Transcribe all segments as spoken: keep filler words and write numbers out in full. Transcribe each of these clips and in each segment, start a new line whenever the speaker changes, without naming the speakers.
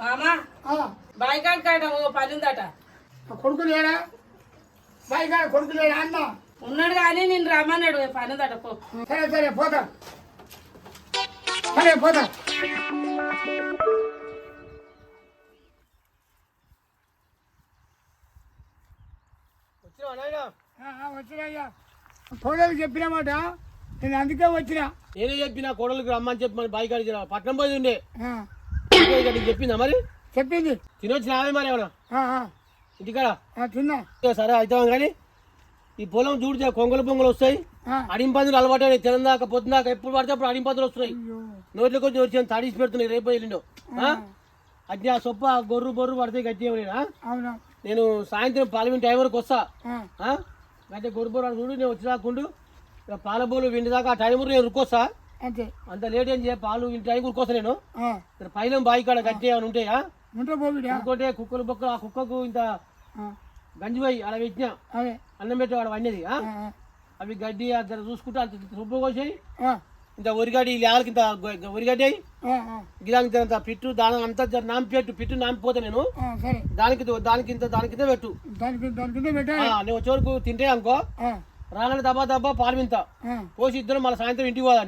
మామా బాయికాడ కాడ ఓ పని ఉందట.
కొడుకు లేడా? బాయికాడ కొడుకు లేడా అన్న?
ఉన్నాడు కానీ నేను రమ్మన్నాడు, పని ఉందట పో.
సరే సరే పోతా, సరే పోతా. వచ్చినా కోడలు చెప్పినమాట, నేను అందుకే వచ్చినా.
నేనే చెప్పిన కోడలికి రమ్మని చెప్పి మన బాయి కాడికి పట్నం పోయి ఉండే చెప్పిందా మరి?
చెప్పింది.
తినొచ్చిన ఆమె మరి ఏమన్నా ఇంటికాడ
తిన్నా.
సరే అవుతాం కానీ ఈ పొలం చూడితే కొంగలు పొంగలు వస్తాయి, అడింపందులు అలవాటు తినందాక పొద్దుదాకా ఎప్పుడు పడితే అప్పుడు అడింపందులు వస్తున్నాయి. నోట్లోకి వచ్చి వచ్చి తడిసి పెడుతున్నాయి రేపు వెళ్ళిండో. అది ఆ సొప్ప గొర్రు బొర్రు పడితే గట్టిగా నేను సాయంత్రం పాలమిన టైం వరకు వస్తా. అంటే గొర్రు బొర్రు చూడు నేను వచ్చేదాకుండు పాల బోలు విండి దాకా ఆ టైం నేను ఉరుకొస్తా. అంత లేట్ ఏం చేయ పాలు ఇంటి టైం ఉరుకొస్తా నేను. పైన బాయి కాడ గట్టి ఏమైనా ఉంటాయా ఇంకోటే కుక్కలు బొక్కలు ఆ కుక్కకు ఇంత గంజిపోయి అలా పెట్టినా అన్నం పెట్టి వాడు వండేది. అవి గడ్డి అక్కడ చూసుకుంటే అంత రుబ్బు కోసాయి. ఇంత వరిగడ్డి లేళ్ళకి ఇంత వరిగడ్డి అయ్యి గిదానికి ఇంత పిట్టు దాని అంతా నాంపి పెట్టు పిట్టు నాంపిపోతా నేను దానికి దానికి ఇంత దానికి ఇంత పెట్టు. నేను వచ్చే వరకు తింటే అనుకో రాలని దబ్బా దబ్బా పాలు వింత పోసి ఇద్దరు మళ్ళీ సాయంత్రం ఇంటికి పోదని.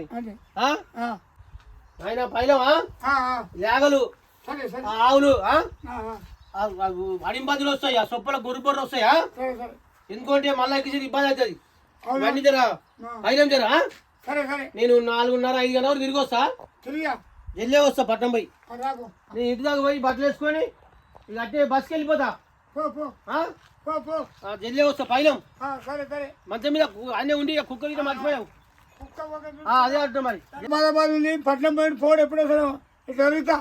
ఆయన పైలమా లేగలు ఆవులు అడింపదులు వస్తాయి, ఆ సొప్పల గొర్రె బొర్రె వస్తాయా ఎందుకంటే మళ్ళీ ఎక్కి ఇబ్బంది అవుతుంది. ఇవన్నీ జరా పైలం జరా నేను నాలుగున్నర ఐదు గంటల వరకు తిరిగి వస్తా, వెళ్ళే వస్తా పట్నం పోయి. నేను ఇంటి దాకా పోయి బట్టలు వేసుకొని ఇక అట్టే బస్కి వెళ్ళిపోతా, జల్లే వస్తా పైలం. మంచం మీద అన్నీ ఉండి కుక్క మీద మర్చిపోయావు అదే అంటున్నా మరి.
పట్నం పోయిన ఫోన్ ఎప్పుడు వస్తాను జరుగుతా.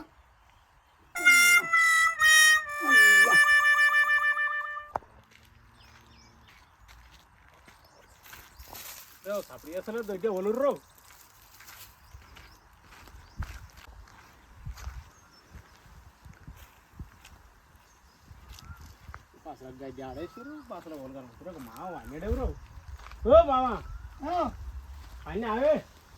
అప్పుడు చేస్తలేదు దొరికే ఒలుర్రు అసలు గడ్డి ఆడేసారు అసలు ఒలగరు మామ అన్నేడెవరు. ఓ మామ పైన అవే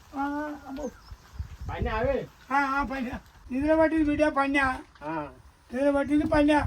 పైన అవే
పైన నిద్ర పట్టింది బిడ్డ పన్యా నిద్ర పట్టింది పన్యా.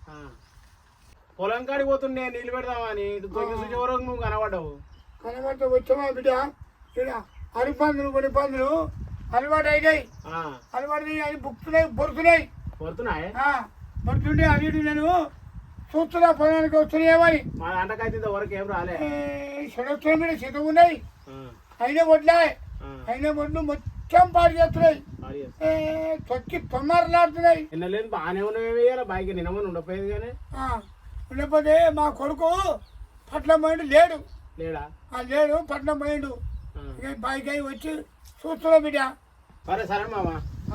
పొలం కాడికి పోతుండే నీళ్ళు పెడదామని వరకు నువ్వు కనబడ్డావు.
కనబడితే వచ్చామా బిడ్డ ఇక్కడ అరిపందులు కొన్ని పందులు అలవాటు అయినాయి, అలవాటు అవి బుక్కుతున్నాయి పొరుతున్నాయి
పొరుతున్నాయి
పొరుతుండే అన్నిటి నేను చూస్తున్నా పొలానికి వస్తున్నాయేమని.
మా దాంట్లోకైతే వరకు ఏం రాలే
చెడొస్తున్న మీద సిద్ధం ఉన్నాయి, అయినా వడ్లాయి అయినా వడ్లు మొత్తం పాడు చేస్తున్నాయి, తొక్కి తొమ్మరలాడుతున్నాయి.
నిన్న లేదు బాగానే ఉన్నాయి బాయికి నిన్నమని ఉండపోయేది కానీ
ఉండకపోతే మా కొడుకు పట్నం పోయిండు లేడు
లేడా
లేడు పట్నం పోయిండు బాయికి అయి వచ్చి చూస్తున్నా బిడ్డ.
సరే సరే మామా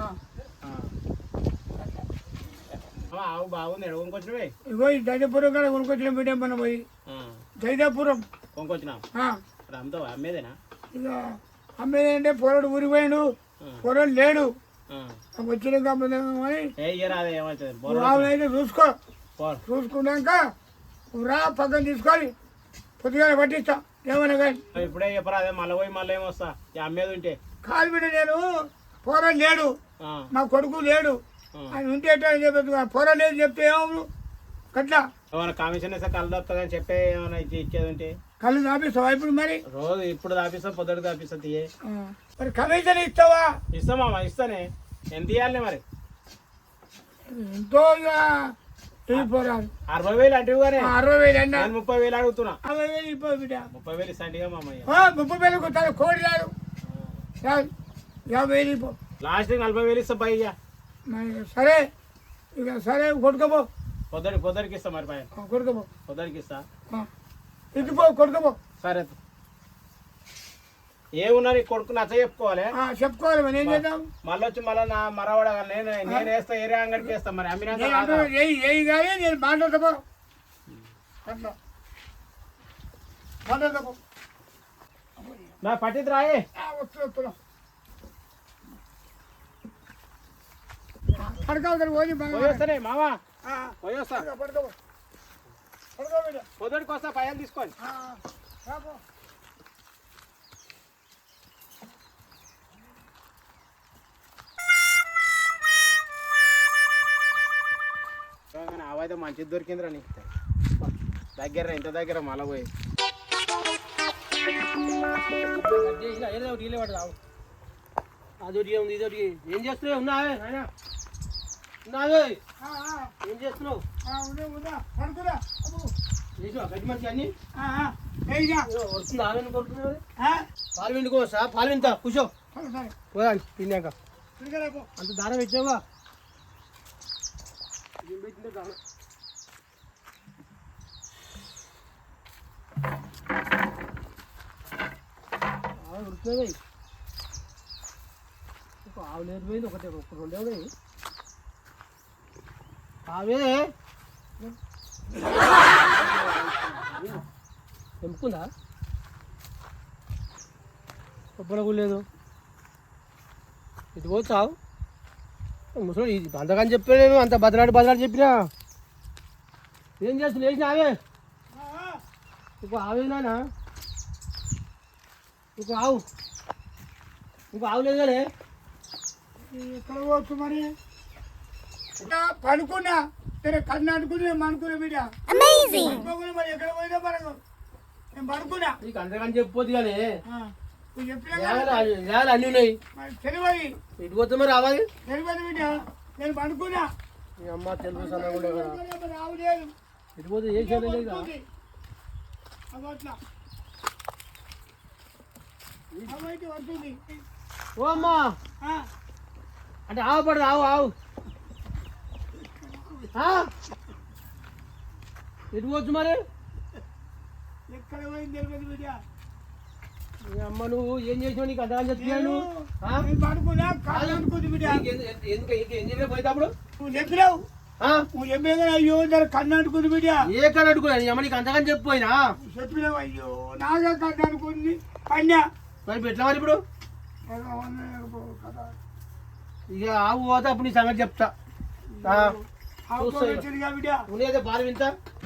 ఆవు బాగుంది ఎడ కొనుకొచ్చినవే
ఇగో ఈ దైదాపురం కాడ కొనుకొచ్చిన బిడ్డ మనం పోయి దైదాపురం
కొనుకొచ్చినా అమ్ముతావా అమ్మేదేనా?
ఇక అమ్మేదంటే పొరడు ఊరిపోయాడు పొరడు లేడు వచ్చిన అయితే చూసుకో చూసుకున్నాక రా పక్కన తీసుకొని పొద్దుగాల పట్టిస్తా ఏమన్నా కానీ.
ఇప్పుడే చెప్పరా అదే మళ్ళీ పోయి మళ్ళీ ఏమొస్తా అమ్మేది ఉంటే
కాదు బిడ్డ నేను పొరడు లేడు మా కొడుకు లేడు ఆయన ఉంటే చెప్పదు పొర లేదు చెప్తే ఏమవు గట్లా
ఏమైనా కమిషన్ ఇస్తే కళ్ళు తప్పుతుందని చెప్పే ఏమైనా ఇచ్చేది ఉంటే
కళ్ళు దాపిస్తావా ఇప్పుడు మరి?
రోజు ఇప్పుడు దాపిస్తా పొద్దుట దాపిస్తా తీయే
మరి కమిషన్ ఇస్తావా?
ఇస్తామా ఇస్తానే ఎంత ఇవ్వాలి మరి?
ఎంతో పోరాదు
అరవై వేలు అంటే
అరవై వేలు అన్నా
ముప్పై వేలు అడుగుతున్నా.
అరవై వేలు ఇవ్వ బిడ్డ
ముప్పై వేలు ఇస్తాంటిగా మామయ్య.
ముప్పై వేలు కొట్టాలి కోడి రాదు యాభై వేలు ఇవ్వ
లాస్ట్ నలభై వేలు ఇస్తా పైగా.
సరే ఇక సరే కొడుకోపో
పొద్దుడి పొద్దుడికి ఇస్తా మరి పైన
కొడుకోపో
పొద్దుడికి ఇస్తా
ఇదిపో కొడుకోపో.
సరే ఏమున్నారు కొడుకు నచ్చ చెప్పుకోవాలి
చెప్పుకోవాలి మరి ఏం చేద్దాం.
మళ్ళీ వచ్చి మళ్ళీ నా మరవడ నేను నేను వేస్తా ఏరియా అంగడికి వేస్తా మరి అమ్మినా
ఏ కానీ నేను మాట్లాడతాపో అట్లా మాట్లాడతాపో
నా పట్టిద్దు రాయే
వస్తున్నా పడుకోవాలి
పోయేస్తానే మామా పోయేస్తా
పడుకో పడుకో
పొద్దుడికి వస్తా పైన తీసుకోండి.
అయితే మంచిది దొరికిందిరా నీకు దగ్గర ఇంత దగ్గర మళ్ళా పోయి
అదొకటి ఉంది ఇదొకటి ఏం చేస్తున్నావు ఉన్నావే నాయనా ఉన్నావే
ఆ, ఆ,
ఏం చేస్తున్నావు
ఆ, ఉన్నా, ఉన్నా. పడుకోరా. అబ్బో.
చేసావా గడ్డి మంచి అన్ని
ఆ, ఆ, ఏయ్యా.
వస్తుంది ఆమెను కొడుతున్నావు
ఆ,
పాలు విండుకోవచ్చా పాలు వింటా కూర్చో
సరే, సరే.
పోదా తిన్నాక
తిరగరా పో.
అంత దారం పెట్టావా ఏం పెట్టిందో దారం ఉడుకుతుంది ఒక ఆవు లేదు పోయింది ఒకటే ఒక రెండే ఉన్నాయి ఆవే తెంపుకుందా కొబ్బరకు లేదు ఇది పోతావు ముసలి ఇది అంతకని చెప్పా నేను అంత బదలాడి బదలాడి చెప్పినా ఏం చేస్తున్నా వేసిన ఆవే
ఆ, ఆ.
ఇంకో ఆవేనా ఇంకో ఆవు ఇంకో ఆవు లేదు కానీ
ఎక్కడ పోవచ్చు మరి ఇంకా పడుకున్నా సరే కన్ను అనుకుని అనుకునే బిడ్డ పడుకోకుండా మరి ఎక్కడ పోయినా మనకు నేను పడుకున్నా
నీకు అంతకని చెప్పొద్దు కానీ
ఆ, నువ్వు చెప్పినా కదా,
నేల అన్నీ ఉన్నాయి
మరి తెలియదు
ఇటు పోతే మరి రావాలి
తెలియదు బిడ్డ నేను పడుకున్నా
మీ అమ్మ తెలుగు సన్నగా ఉండే కదా
మరి రావు లేదు
ఇటు పోతే ఏ చేయలేదు
పడుకుంది. అగో అట్లా అవైతే పడుతుంది
ఓ అమ్మా
ఆ,
అంటే ఆవు పడదు ఆవు ఆవు ఆ? ఎటు పోవచ్చు మరి
ఎక్కడ పోయింది తెలియదు బిడ్డ
మీ అమ్మ నువ్వు ఏం చేసినావు నీకు అంతగా చెప్తున్నాను
నేను పడుకున్నా కాళ్ళు అనుకుంది బిడ్డ
ఎందుకు ఏం చెప్పినా పోయేటప్పుడు
నువ్వు చెప్పినావు
ఆ?
నువ్వు చెప్పే అయ్యో దాని కన్ను అనుకుంది బిడ్డ
ఏ కన్నా అడుగున్నా నీ అమ్మ నీకు అంతగాని చెప్పిపోయినా
చెప్పినావు అయ్యో నాగా కన్ను అనుకుంది కన్యా
మరి ఎట్లా మరి ఇప్పుడు ఇక ఆవు పోతే అప్పుడు నీ సంగతి చెప్తా ఆ.
వచ్చిందిగా బిడ్డ
ఉండేదే పాలు వింత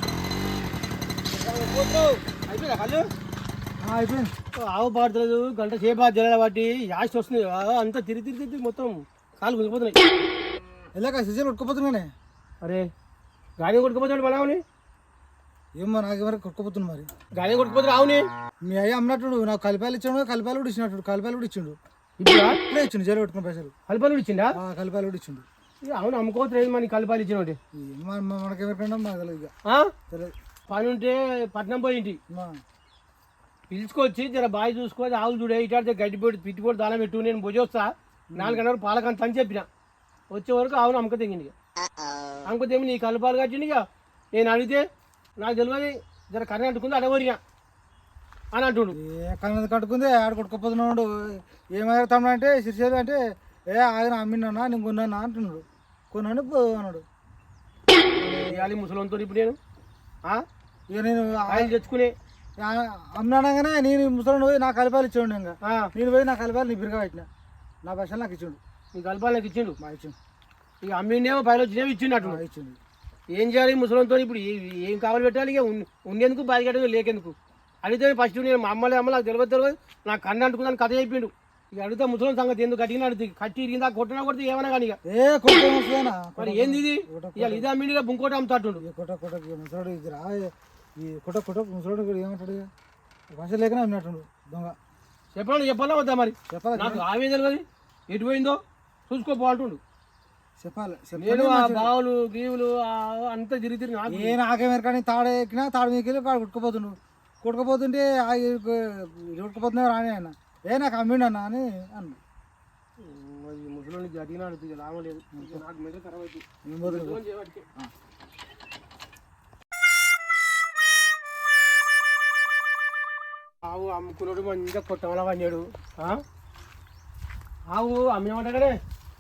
అయిపోయిందా కళ్ళు
అయిపోయింది
ఆవు పాడుతుంది గంట సేపు ఆ జల బట్టి యాస్ట్ వస్తుంది ఆ, అంతా తిరిగి తిరిగి తిరిగి మొత్తం కాలు మునిగిపోతున్నాయి
ఎలాగ సిజన్ ఉట్టుకుపోతున్నానే
అరే గాలి కొట్టుకుపోతాడు మన ఆవుని
ఏమో నాకు ఎవరికి కొట్టుకుపోతుంది మరి
గాలి కొట్టుకుపోతాడు ఆవుని
మీ అయ్య అమ్మనట్టుడు నాకు కలిపాయలు ఇచ్చాడు కలిపాయలు కూడా ఇచ్చినట్టు కలిపాయలు కూడా ఇచ్చిండు
ఇప్పుడు
ఇప్పుడే ఇచ్చిండు జైలు పెట్టుకున్న పైసలు
కలపాలు ఇచ్చిండా
ఆ, కలిపాయలు కూడా ఇచ్చిండు
ఇక అవును అమ్ముకోవచ్చు మన కలపాలు ఇచ్చిన
మనకెవరికైనా మాకు తెలియదు ఇక తెలియదు
పని ఉంటే పట్నం పోయింటి
మా,
పిలుచుకొచ్చి జర బాయ్ చూసుకొని ఆవులు చూడే ఇటాడితే గడ్డి పొడి పిట్టి పొడి దానం పెట్టు నేను భుజ వస్తా నాలుగు గంటల పాలకంత అని చెప్పిన వచ్చే వరకు ఆవును అమ్మక తెగింది ఇక అమ్మక తెగి నీ కలపాలు కట్టింది ఇక నేను అడిగితే నాకు తెలియదు జర కర్ర అంటుకుంది అడవరిగా అని అంటుండు
ఏ కన్నది కట్టుకుంది ఆడ కొట్టుకుపోతున్నాడు ఏమైనా తమ్ముడు అంటే సిరిసేది అంటే ఏ ఆయన అమ్మినా నేను కొన్నానా అంటున్నాడు కొన్నాను పో అన్నాడు
ఇవ్వాలి ముసలంతో ఇప్పుడు నేను ఆ?
ఇక నేను
ఆయిల్ తెచ్చుకునే
అమ్మినాగానే నేను ముసలి పోయి నా కలిపాలు ఇచ్చాడు ఇంకా
ఆ,
నేను పోయి నా కలిపాలు నీ బిరుగా పెట్టిన నా పైసలు నాకు ఇచ్చిండు
నీ కలపాలు నాకు ఇచ్చిండు
మా ఇచ్చిండు
ఇక అమ్మిండేమో పైలు వచ్చినేమో ఇచ్చిండు
మా ఇచ్చిండు
ఏం చేయాలి ముసలంతో ఇప్పుడు ఏ- ఏం కావాలి పెట్టాలి ఇక ఉన్- ఉండేందుకు బాధ్యత లేకెందుకు అడిగితే ఫస్ట్ నేను మా అమ్మలే అమ్మ నాకు తెలియదు తెలియదు నాకు కన్ను అంటుకుందని కథ చెప్పిండు ఇక అడిగితే ముసలం సంగతి ఎందుకు కట్టిన అడుగుతుంది కట్టి ఇరిగిందా కొట్టినా కొడితే ఏమన్నా కానీ ఇక
ఏ కొట్ట ముసలేనా
మరి ఏంది ఇది ఇవాళ ఇదే అమ్మిండిగా బుంకోట అమ్ముతాడు
కొట్ట కొట్ట ముసలాడు ఇది రా ఈ కొట్ట కొట్ట ముసలాడు కూడా ఏమంటాడు ఇక పైసలు లేకనే అమ్మినట్టుండు దొంగ
చెప్పాలి చెప్పాలా వద్దా మరి
చెప్పాలి
నాకు ఆవే తెలియదు ఎటు పోయిందో చూసుకోపోంటుండు
చెప్పాలి
నేను ఆ బావులు గీవులు ఆ అంతా తిరిగి తిరిగి నాకు
ఏ నాకేమేర కానీ తాడు ఎక్కినా తాడు మీకు వెళ్ళి కాడు కొట్టుకుపోతుండు కొట్టుకుపోతుంటే కొట్టుకుపోతున్నా రాని ఆయన ఏ నాకు అమ్మిండు అన్న అని అన్న
ముసలి గట్టిగా అడుగుతుంది లాభం లేదు నాకు మెడ ఖరాబ్ అవుతుంది
నేను పోతున్నా.
ఫోన్ చేయబట్టి. ఆవు అమ్ముకున్నాడు మంచిగా కొట్టమలా పడినాడు ఆ? ఆవు అమ్మేమంటాడే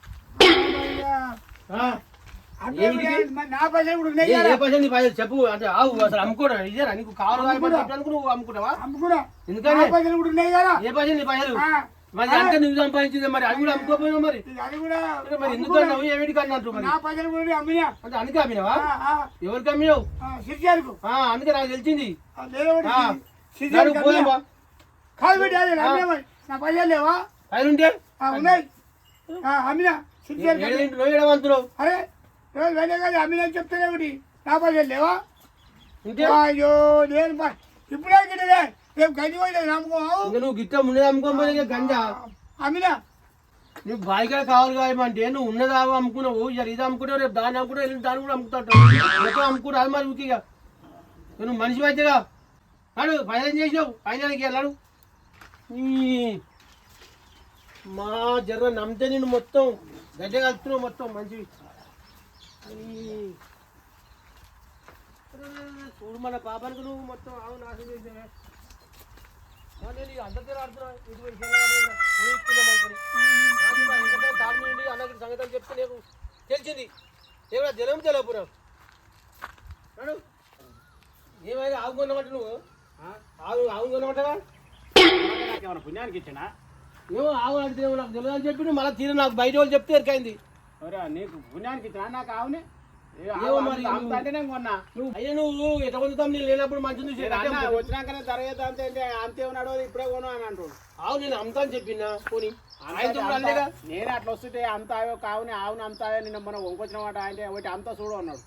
అంటే మరి నా పైసలు ఇప్పుడు ఉన్నాయి
ఏ
కదా.
పైసలు నీ పైసలు చెప్పు అంటే ఆవు అసలు అమ్ముకోవడం ఇదేనా నీకు కావాలి చెప్పడానికి నువ్వు అమ్ముకుంటావా
అమ్ముకున్నా
ఎందుకని
నా పైసలు ఇప్పుడు ఉన్నాయి కదా.
ఏ పైసలు నీ పైసలు
ఆ,
మరి అంటే నువ్వు సంపాదించింది మరి అది కూడా అమ్ముకోపోయినా మరి
ఇది అది కూడా
మరి ఎందుకు అన్నావు ఏమిటి అన్నట్టు మరి
నా పైసలు కూడా అమ్మినా
అంటే అందుకే అమ్మినావా
ఆ, ఆ,
ఎవరికి అమ్మినావు
ఆ, సిరిచారుకు
ఆ, అందుకే నాకు తెలిసింది
ఆ, లేదో ఒకటి
ఆ.
సిరిచారుకు
నడువు పోదాం
అమ్మినా.
బా.
కాదు బిడ్డ అది అమ్మినా మరి. నా పైసలు లేవా
పైన ఉంటే
ఆ, ఉన్నాయి ఆ, అమ్మినా సిరిచారుకు అమ్మినా.
ఏడేంటి నువ్వు ఏడవంతులు
అరే రోజు వెళ్ళే కదా అమ్మినా చెప్తానే ఒకటి నా పైసలు లేవా
ఉంటే
అయ్యో నేను ప- ఇప్పుడే గిట్టలే రేపు గంజి పోయినా నమ్ముకోవు
ఇంకా నువ్వు గిట్ట ఉన్నది అమ్ముకోకపోతే గంజా
అమ్మినా
నువ్వు బాయికాయ కావాలి కాయమంటే నువ్వు ఉన్నది ఆవు అమ్ముకున్నావు ఇక ఇది అమ్ముకుంటావు రేపు దాన్ని అమ్ముకుంటావు వెళ్ళి దాన్ని కూడా అమ్ముతావు మొత్తం అమ్ముకుంటావు అది మరి ఊకిగా నువ్వు మనిషి అయితేగా అడు ఫైనల్ చేసినావు ఫైనల్కి వెళ్ళాడు మా జర్ర నమ్మితే నేను మొత్తం గడ్డ కలుపుతున్నావు మొత్తం మంచివి ఈ. చూడు మన పాపానికి నువ్వు మొత్తం ఆవు నాశనం చేసినా నేను అందరితో ఆడుతున్నా ఇటు తాడుండి అన్నకి సంగతి చెప్తే నీకు తెలిసింది ఏమైనా జనం తెలపురా అడు ఏమైనా ఆవు కొన్నమాట నువ్వు ఆవు ఆవు కొన్నమాటగా
నాకేమన్నా పుణ్యానికి ఇచ్చినా
ఏమో ఆవు అడిగితే నాకు తెలియదు అని చెప్పి మళ్ళీ తీరు నాకు బయట వాళ్ళు చెప్తే ఎరికైంది
ఒరే నీకు పుణ్యానికి ఇచ్చినా నాకు ఆవునే
ఏమో మరి
అంటే నేను కొన్నా
నువ్వు అయ్యా నువ్వు ఎట్లా పొందుతాం నేను లేనప్పుడు మంచి చూసి
అన్న వచ్చినాకనే ధర అంతే అంటే అంతే ఉన్నాడు ఇప్పుడే కొను అని అంటాడు
ఆవు నేను అమ్ముతా అని చెప్పినా పోనీ
అంతా- అంతా- నేను అట్లా వస్తుంటే అంత ఆవో కావుని ఆవుని అంత ఆవో నిన్న మనం వంకొచ్చిన మాట అంటే ఒకటి అంతా చూడు అన్నాడు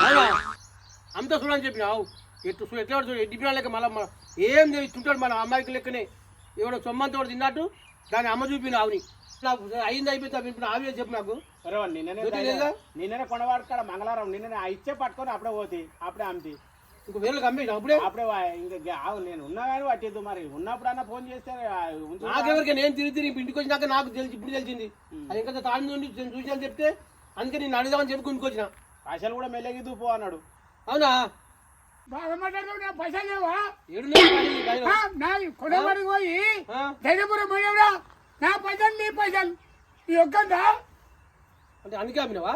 అంతా చూడని చెప్పిన ఆవు ఎట్టు చూ ఎట్లా చూడు ఎడ్డి పిల్లలకి మళ్ళీ ఏం తింటాడు మన అమ్మాయికి లెక్కనే ఎవడో సొమ్మంతో తిన్నట్టు దాని అమ్మ చూపిన ఆవుని నాకు అయింది అయిపోయింది ఇప్పుడు ఆవి చెప్పు నాకు
సరే నిన్ననే
జ్యోతి లేదా?
నిన్ననే కొనవాడు కాడ మంగళవారం నిన్ననే ఆ ఇచ్చే పట్టుకొని అప్పుడే పోతే అప్పుడే అమ్మితి
ఇంక వేలకు అమ్మేసిన అప్పుడే
అప్పుడే వా- ఇంకా ఆవు నేను ఉన్నా కానీ పట్టిద్దు మరి ఉన్నప్పుడన్నా ఫోన్ చేస్తే ఆ, ఉంచు.
నాకెవరికి నేను తిరిగి తిరిగి ఇంటికి వచ్చినాక నాకు తెలిసి ఇప్పుడు తెలిసింది అది ఇంకా తాడి నుండి చూసాను చెప్తే అందుకే నేను అడుగుదామని చెప్పి కొనుక్కొచ్చిన
పైసలు కూడా మెల్లగిద్దు పో అన్నాడు
అవునా
బాగా మాట్లాడుతూ నా పైసలు లేవా
ఏడు నెలలు కాలేదు బయలు.
ఆ, నా కొడబడి పోయి
ఆ?
ధైర్యపురం పోయావురా నా పైసలు నీ పైసలు ఈ ఒక్కందా
అంటే అందుకే అమ్మినవా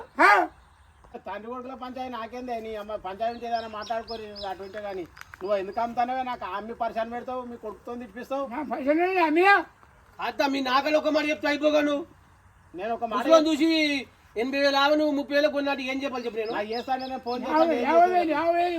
తండ్రి కొడుకుల పంచాయతీ నాకేందే నీ అమ్మ పంచాయతీ ఏదైనా మాట్లాడుకోరి అటుంటే కానీ నువ్వు ఎందుకు అమ్ముతానవే నాకు అమ్మి పరిశాన్ పెడతావు మీ కొడుకుతో తిప్పిస్తావు
నా పైసలు అమ్మియా
అత్త మీ నాకలు ఒక మాట చెప్తే అయిపోగాను
నేను ఒక మాట
ముసలోని చూసి ఎనభై వేలు ఆవు నువ్వు ముప్పై వేలకు కొన్నాడు ఏం చెప్పాలి చెప్పు నేను
నాకు చేస్తాను నేను ఫోన్
యాభై
చేస్తాను
యాభై వేలు యాభై వేలు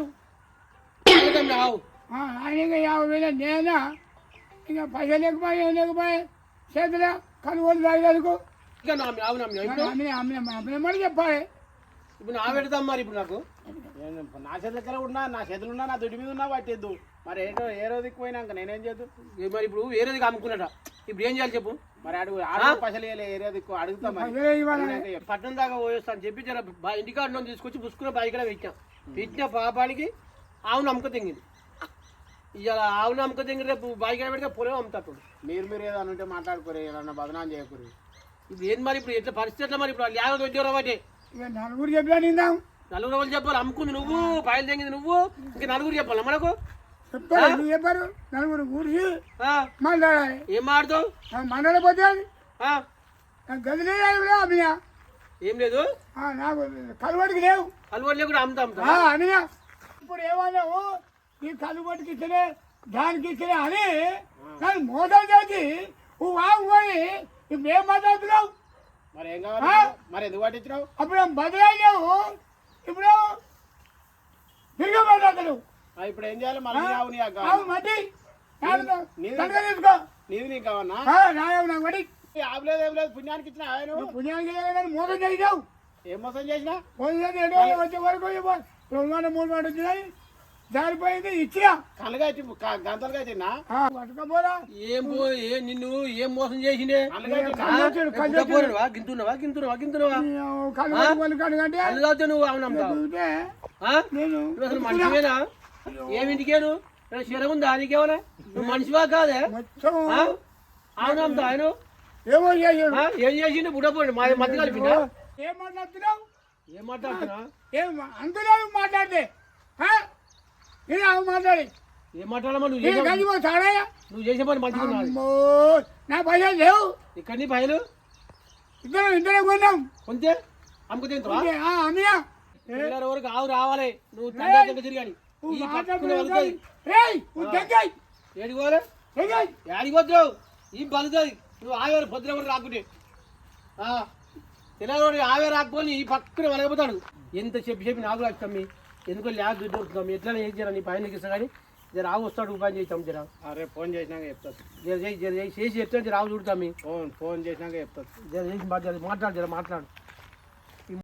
ఏదమ్మా ఆవు
ఆ, ఆయన ఇంకా యాభై వేలు నేనా ఇంకా పైసలు లేకపోయి ఏం లేకపోయి చేతుల కనుగోలు తాగేందుకు
ఇంకా నా ఆవు నమ్మినా ఇప్పుడు
అమ్మిన అమ్మిన అమ్మిన మరి చెప్పాలి
ఇప్పుడు నా పెడతాం మరి ఇప్పుడు నాకు
నేను నా చేతుల ఉన్నా నా చేతులు ఉన్నా నా దుడ్డి మీద ఉన్నా పట్టిద్దు మరి ఏటో ఏ రోజుకి పోయినాక నేనేం చేద్దు
ఏ మరి ఇప్పుడు వేరేది అమ్ముకున్నాడా ఇప్పుడు ఏం చేయాలి చెప్పు
మరి అడుగు ఆడు పైసలు ఇవ్వలే ఏ రోజుకి అడుగుతా మరి
పైసలు ఇవ్వాలి
నేనైతే చెప్తా.
పట్టణం దాకా పోయేస్తా అని చెప్పి జర బా- ఇంటికాడ నుంచి తీసుకొచ్చి పుసుకున్న బాయి కూడా పెట్టాం పెట్టిన పాపానికి ఆవును అమ్మక తెంగింది ఇవాళ ఆవును అమ్మక తెంగి రేపు బాయి కూడా పెడితే పొలం అమ్ముతాడు
మీరు మీరు ఏదైనా ఉంటే మాట్లాడుకోరు ఏదన్నా బదనాం చేయకూరు
ఇప్పుడు ఏంది మరి ఇప్పుడు ఎట్లా పరిస్థితి ఎట్లా మరి ఇప్పుడు లేకపోతే ఉద్యోగం బట్టి
ఇక నలుగురు చెప్పినా నిందాం
నలుగురు వాళ్ళు చెప్పాలి అమ్ముకుంది నువ్వు పాయలు తెంగింది నువ్వు ఇంకా నలుగురు చెప్పాలి మనకు
చెప్తారు ఎందుకు చెప్పారు నలుగురు కూర్చి
ఆ,
మాట్లాడాలి
ఏం మాడుతావు
మండలపోతే
ఆ,
గదిలే అమ్మినా
ఏం లేదు
నాకు కలువడికి లేవు
అలవాటు కూడా అమ్ముతా అమ్ముతా
ఆ, అనియా ఇప్పుడు ఏమన్నావు ఈ కలుబడికి ఇచ్చలే దానికి ఇచ్చలే అని కానీ మోసం చేసి నువ్వు వాగుకొని ఇప్పుడు ఏం మాట్లాడుతున్నావు
మరి ఏం కావాలి మరి ఎందుకు పట్టించినావు
అప్పుడు ఏం బదిలావు ఇప్పుడు తిరిగి మాట్లాడుతున్నావు
ఆ, ఇప్పుడు ఏం చేయాలి మళ్ళీ ఆవు నీ ఆకు
ఆవు మట్టి
నీది-
తనగా తీసుకో
నీది నీకు కావన్నా
ఆ, నాయవు నాకు మట్టి
ఆవు లేదు ఏం లేదు పుణ్యానికి ఇచ్చిన ఆయన
నువ్వు పుణ్యానికి లేదని మోసం చేసావు
ఏం మోసం చేసినా
పోయిన ఏడు వేలు వచ్చే వరకు ఇవ్వ- రెండు మాట మూడు మాట వచ్చినాయి జారిపోయింది ఇచ్చినా
కళ్ళగా గంతలుగా తిన్నా
ఆ, పట్టుకపోరా
ఏం పో ఏ నిన్ను ఏం మోసం చేసిండే
కళ్ళగా తిన్నా
కళ్ళొచ్చాడు, కళ్ళొచ్చాడు.
పోరువా గింతున్నవా గింతున్నవా గింతున్నవా
కళ్ళు పట్టుకొని కడుగంటే
కళ్ళు తాగితే నువ్వు ఆవు నమ్ముతావు
చూస్తే
ఆ?
నేను
నువ్వు అసలు మనిషివేనా ఏమింటికేను శరం ఉందా నీకేమన్నా నువ్వు మనిషివా కాదే
మొత్తం
ఆ? ఆవు నమ్ముతావు ఆయన
ఏమో చేసాడు
ఆ? ఏం చేసిండు బుడ్డపోండి మా మధ్య కలిపిండా
ఏం మాట్లాడుతున్నావు
ఏం మాట్లాడుతున్నా
ఏం అంతలేదు మాట్లాడితే ఆ? ఇది అవి మాట్లాడి
ఏం మాట్లాడమా నువ్వు
నేను
చేసే
కలిపో తాడయ్యా
నువ్వు చేసే పని మంచిగా ఉన్నది
అమ్మో నా పైసలు లేవు
ఇక్కడ నీ పైలు
ఇద్దరం ఇద్దరం కొన్నాం
కొంతే అమ్ముకు తింటావా
ఓకే, ఆ, అన్నయ్య
పిల్లల వరకు ఆవు రావాలి నువ్వు తండ్రి దగ్గర తిరిగాని
నువ్వు
ఈ పట్టుకుని
మాట్లాడుతున్నావు
వెళ్తాయి
రేయ్ నువ్వు తెంగాయి
ఏడికి పోలే
తెంగాయి
ఏడికి పోతావు ఈ బలుతుంది నువ్వు ఆవేరు పొద్దున కూడా రాకుంటే తెల్లవాడు ఆవే రాకపోయి ఈ పక్కన వెలగపోతాడు ఎంత చెప్పి చెప్పి నాకు వచ్చామి ఎందుకో ల్యాబ్ దొరుకుతాం ఎట్లా ఏం చేయాలి నీ పైన ఇస్తా కానీ జర ఆవు వస్తాడు ఉపాయం చేస్తాం జర
రేపు ఫోన్ చేసినాక చెప్తా
జర చేసి జర చేసి చేసి చెప్తాను జర ఆవు చూడతాం
ఫోన్ ఫోన్ చేసినాక చెప్తా
జర చేసి మాట్లాడు మాట్లాడు జర మాట్లాడు